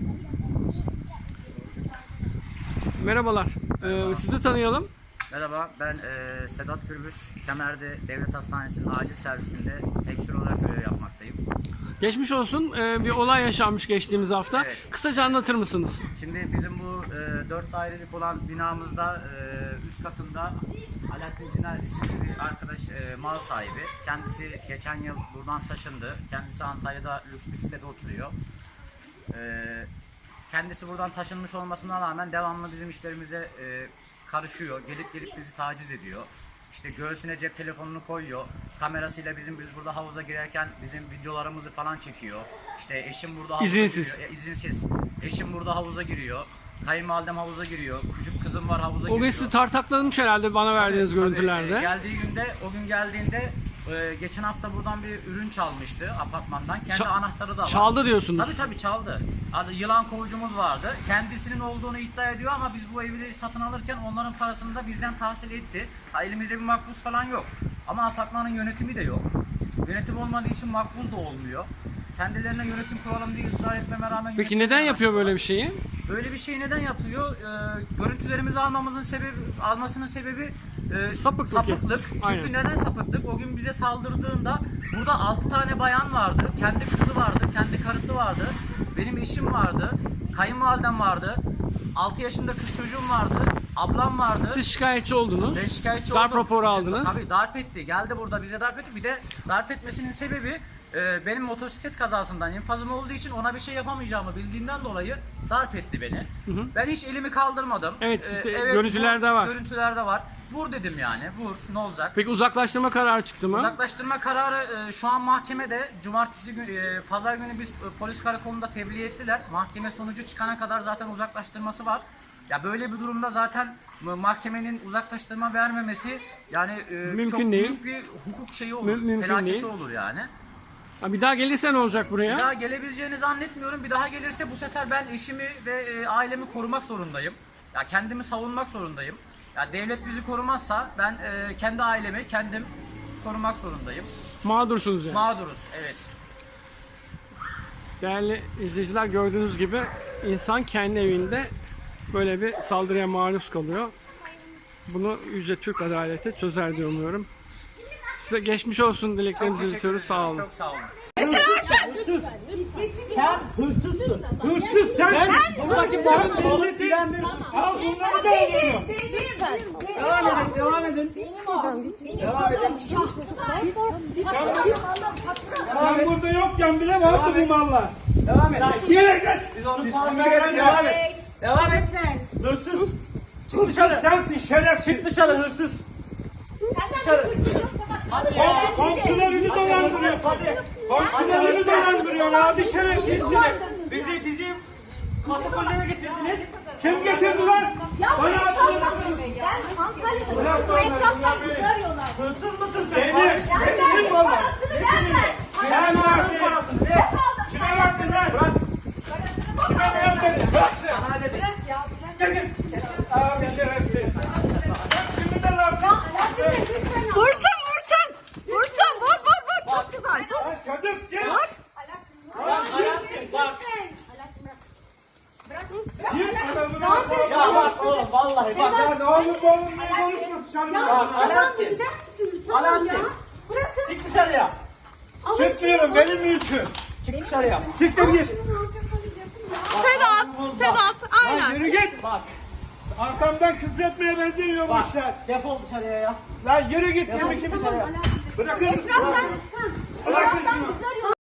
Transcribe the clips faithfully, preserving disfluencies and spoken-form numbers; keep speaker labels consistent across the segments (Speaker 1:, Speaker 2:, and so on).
Speaker 1: Merhabalar.
Speaker 2: Merhaba.
Speaker 1: Ee, sizi tanıyalım.
Speaker 2: Merhaba, ben e, Sedat Gürbüz. Kemer'de Devlet Hastanesi'nin acil servisinde hemşire olarak görev yapmaktayım.
Speaker 1: Geçmiş olsun. Ee, bir olay yaşanmış geçtiğimiz hafta.
Speaker 2: Evet.
Speaker 1: Kısaca anlatır mısınız?
Speaker 2: Şimdi bizim bu e, dört dairelik olan binamızda e, üst katında Alaaddin Ciner isimli bir arkadaş e, mal sahibi. Kendisi geçen yıl buradan taşındı. Kendisi Antalya'da lüks bir sitede oturuyor. E, kendisi buradan taşınmış olmasına rağmen devamlı bizim işlerimize e, karışıyor. Gelip gelip bizi taciz ediyor. İşte göğsüne cep telefonunu koyuyor. Kamerasıyla bizim biz burada havuza girerken bizim videolarımızı falan çekiyor. İşte eşim burada havuza
Speaker 1: İzinsiz.
Speaker 2: giriyor. E, izinsiz. Eşim burada havuza giriyor. Kayınvalidem havuza giriyor. Küçük kızım var havuza
Speaker 1: O
Speaker 2: giriyor.
Speaker 1: gün sizi tartaklamış herhalde bana verdiğiniz
Speaker 2: Tabii,
Speaker 1: görüntülerde.
Speaker 2: e, geldiği günde, o gün geldiğinde e, geçen hafta buradan bir ürün çalmıştı apartmandan. Kendi
Speaker 1: Ça-
Speaker 2: anahtarı da var.
Speaker 1: Çaldı diyorsunuz.
Speaker 2: Tabii tabii çaldı. Adı yılan kovucumuz vardı. Kendisinin olduğunu iddia ediyor ama biz bu evleri satın alırken onların parasını da bizden tahsil etti. Ha, elimizde bir makbuz falan yok. Ama apartmanın yönetimi de yok. Yönetim olmadığı için makbuz da olmuyor. Kendilerine yönetim kuralım diye ısrar etmeme rağmen...
Speaker 1: Peki neden yapıyor böyle bir şeyi?
Speaker 2: Böyle bir şey neden yapıyor? Ee, görüntülerimizi almamızın sebebi, almasının sebebi e,
Speaker 1: Sapıklık.
Speaker 2: sapıklık. Çünkü
Speaker 1: Aynen.
Speaker 2: neden sapıklık? O gün bize saldırdığında burada altı tane bayan vardı, kendi kızı vardı, kendi karısı vardı, benim eşim vardı, kayınvalidem vardı, altı yaşında kız çocuğum vardı, ablam vardı.
Speaker 1: Siz şikayetçi oldunuz.
Speaker 2: Ben şikayetçi
Speaker 1: Darp
Speaker 2: oldum.
Speaker 1: raporu aldınız.
Speaker 2: Tabii darp etti. Geldi burada bize darp etti. Bir de darp etmesinin sebebi e, benim motosiklet kazasından infazım olduğu için ona bir şey yapamayacağımı bildiğinden dolayı darp etti beni.
Speaker 1: hı.
Speaker 2: Ben hiç elimi kaldırmadım.
Speaker 1: Evet, işte
Speaker 2: evet,
Speaker 1: görüntülerde
Speaker 2: vur,
Speaker 1: var.
Speaker 2: Görüntülerde var. Vur dedim yani. Vur. Ne olacak?
Speaker 1: Peki uzaklaştırma kararı çıktı mı?
Speaker 2: Uzaklaştırma kararı e, şu an mahkemede. Cumartesi günü, e, pazar günü biz e, polis karakolunda tebliğ ettiler. Mahkeme sonucu çıkana kadar zaten uzaklaştırması var. Ya böyle bir durumda zaten mahkemenin uzaklaştırma vermemesi yani e,
Speaker 1: Mümkün
Speaker 2: çok
Speaker 1: değil.
Speaker 2: büyük bir hukuk şeyi olur.
Speaker 1: Mü- mümkün
Speaker 2: felaketi
Speaker 1: değil.
Speaker 2: olur yani.
Speaker 1: Ha, bir daha gelirse ne olacak buraya?
Speaker 2: Bir daha gelebileceğini zannetmiyorum. Bir daha gelirse bu sefer ben eşimi ve e, ailemi korumak zorundayım. Ya kendimi savunmak zorundayım. Ya devlet bizi korumazsa ben e, kendi ailemi kendim korumak zorundayım.
Speaker 1: Mağdursunuz yani.
Speaker 2: Mağduruz, evet.
Speaker 1: Değerli izleyiciler, gördüğünüz gibi insan kendi evinde böyle bir saldırıya maruz kalıyor. Bunu Yüce Türk Adaleti çözer diye umuyorum. Size geçmiş olsun dileklerimizi
Speaker 2: Teşekkür
Speaker 1: iletiyoruz. Sağ
Speaker 2: ederim,
Speaker 1: olun.
Speaker 2: Çok sağ olun.
Speaker 3: Sen hırsızsın. Hırsız sen. Buradaki milletin al bunları da alıyorum. Devam edin, devam edin. Devam edin. Ben burada yokken bile vardı bu mallar. Devam et. Yere git. Biz onu fazla devam et. Devam et. Hırsız. Çık dışarı. Sensin şerefsiz. Çık dışarı hırsız. Dışarı. Hadi ya. Komşularını dolandırıyorsun. Komşularını dolandırıyorsun. Hadi şerefsizsiniz. Bizi bizi katakullere getirdiniz. Kim getirdi lan? Bana atın.
Speaker 4: Ben Antalya'da bu etraftan bizi arıyorlar.
Speaker 3: Hırsız mısın sen?
Speaker 4: Ben
Speaker 3: Benim.
Speaker 4: sen
Speaker 3: Benim valla.
Speaker 4: parasını verme.
Speaker 3: Ben versin parasını. Kime verdin lan? Bırak. Kime verdin? Bırak sen. Bana dedim.
Speaker 4: Bırak ya bırak.
Speaker 3: Çekil. Abi şerefsiz. Bak şimdi de lan.
Speaker 5: Vursun vursun. Vursun vur vur vur. Çok güzel.
Speaker 3: Bak kadın gel.
Speaker 5: Vur.
Speaker 3: Bak Alaaddin bak. Git adamı.
Speaker 4: Ya
Speaker 3: bak oğlum vallahi bak. Ya ne olur oğlum niye konuşmasın canım?
Speaker 4: Ya
Speaker 3: Alaaddin.
Speaker 4: gider misiniz? Tamam ya. Bırakın.
Speaker 3: Çık dışarıya.
Speaker 4: Alın
Speaker 3: Çıkmıyorum
Speaker 4: şunu.
Speaker 3: benim mülküm. Çık dışarıya. Siktir
Speaker 4: Al
Speaker 3: git.
Speaker 4: şunu, ne yapıyorsanız yapın ya.
Speaker 5: Sedat. Sedat.
Speaker 3: Lan
Speaker 5: Aynen.
Speaker 3: yürü git. Bak. Arkamdan küfretmeye benzemiyor bu işler.
Speaker 6: Defol dışarıya ya.
Speaker 3: Lan yürü git. Kimi
Speaker 4: Tamam,
Speaker 3: kimi
Speaker 4: tamam, Alaaddin.
Speaker 3: Bırakın.
Speaker 4: Etraftan çıkan.
Speaker 3: Bırakın
Speaker 4: Etraftan
Speaker 3: şunu.
Speaker 4: bizi arıyorlar.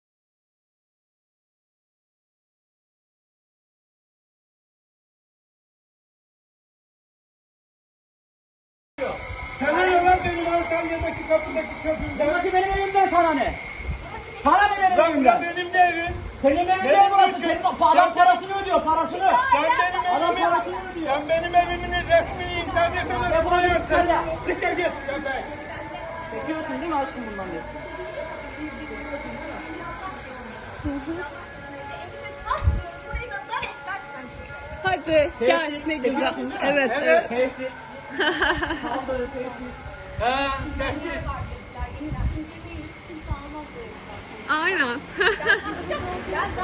Speaker 3: Sana ne lan benim Antalya'daki kapıdaki çöpümden?
Speaker 6: Burası benim evimden sana ne? Sana ne benim
Speaker 3: Lan
Speaker 6: evimden?
Speaker 3: bu benim de evim.
Speaker 6: Senin evin
Speaker 3: Benim
Speaker 6: değil burası.
Speaker 3: mülküm.
Speaker 6: Senin adam
Speaker 3: Sen-
Speaker 6: parasını ödüyor parasını.
Speaker 3: Sen benim
Speaker 6: Adam
Speaker 3: evimin,
Speaker 6: parasını ödüyor.
Speaker 3: sen benim evimin resmini internete
Speaker 6: Defol
Speaker 3: nasıl
Speaker 6: git
Speaker 3: koyarsın?
Speaker 6: dışarıya.
Speaker 3: Siktir git. Ya be.
Speaker 6: Çekiyorsun değil mi aşkım bundan diye?
Speaker 5: Hadi gel ne güzel.
Speaker 6: Çekiyorsun değil mi?
Speaker 5: Evet evet.
Speaker 6: Keyifli. Saldırı keyifli.
Speaker 3: He, tehdit.
Speaker 5: Aynen.